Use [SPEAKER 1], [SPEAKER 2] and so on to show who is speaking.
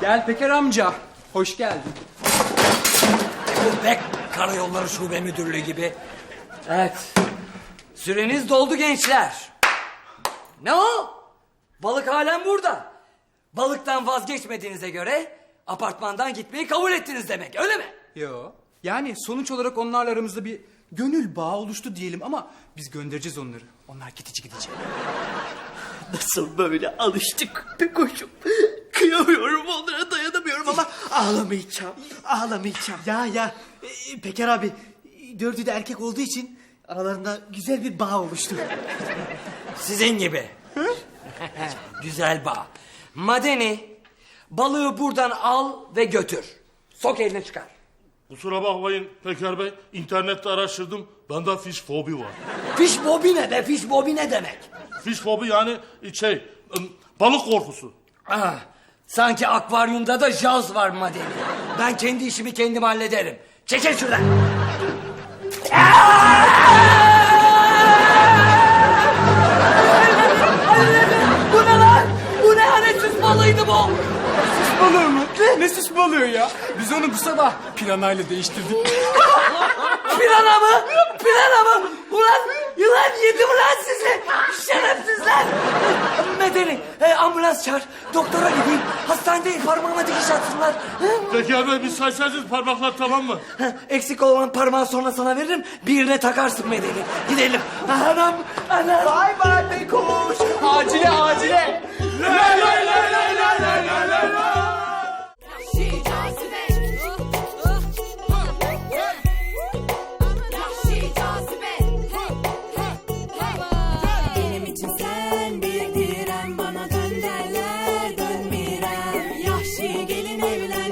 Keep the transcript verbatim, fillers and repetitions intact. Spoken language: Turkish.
[SPEAKER 1] Gel Peker amca. Hoş geldin.
[SPEAKER 2] Bek Karayolları Şube Müdürlüğü gibi. Evet. Süreniz doldu gençler. Ne o? Balık halen burada. Balıktan vazgeçmediğinize göre apartmandan gitmeyi kabul ettiniz demek, öyle mi?
[SPEAKER 1] Yo. Yani sonuç olarak onlarla aramızda bir gönül bağı oluştu diyelim ama biz göndereceğiz onları. Onlar gidici gidecek.
[SPEAKER 3] Nasıl böyle alıştık Pekoş'um. Kıyamıyorum onlara, dayanamıyorum ama ağlamayacağım. Ağlamayacağım.
[SPEAKER 4] Ya ya e, Peker abi, dördü de erkek olduğu için aralarında güzel bir bağ oluştu.
[SPEAKER 2] Sizin gibi. Güzel bağ. Madeni, balığı buradan al ve götür. Sok eline çıkar.
[SPEAKER 5] Kusura bakmayın Peker Bey, internette araştırdım. Bende fiş fobi var.
[SPEAKER 2] Fiş bobi ne be? Fiş bobi ne demek?
[SPEAKER 5] Fiş fobi yani şey, ım, balık korkusu.
[SPEAKER 2] Ah, sanki akvaryumda da jaz var Madeni. Ben kendi işimi kendim hallederim. Çekil şuradan. Bu ne lan? Bu ne hanetsiz balıydı bu?
[SPEAKER 1] Süs balığı mı? Ne? Ne süs balığı ya? Biz onu bu sabah piranayla değiştirdik.
[SPEAKER 2] Pirana mı? Pirana mı? Ulan yılan yedi mi lan sizi? Şerefsizler. Medeni, e, ambulans çağır. Doktora gideyim. Hastanedeyim, parmağıma dikiş atsınlar.
[SPEAKER 5] Peker Bey, biz saysaydınız parmaklar, tamam mı?
[SPEAKER 2] Eksik olan parmağı sonra sana veririm. Birine takarsın Medeni. Gidelim. Anam, anam.
[SPEAKER 4] Bay bay Pekoş.
[SPEAKER 1] Acile acile.
[SPEAKER 5] Lay lay lay lay lay lay lay lay lay.
[SPEAKER 6] Yahşi cazibe. Yahşi cazibe. Benim için sen bir direm, bana dön derler dönmirem. Yahşi gelin evlen.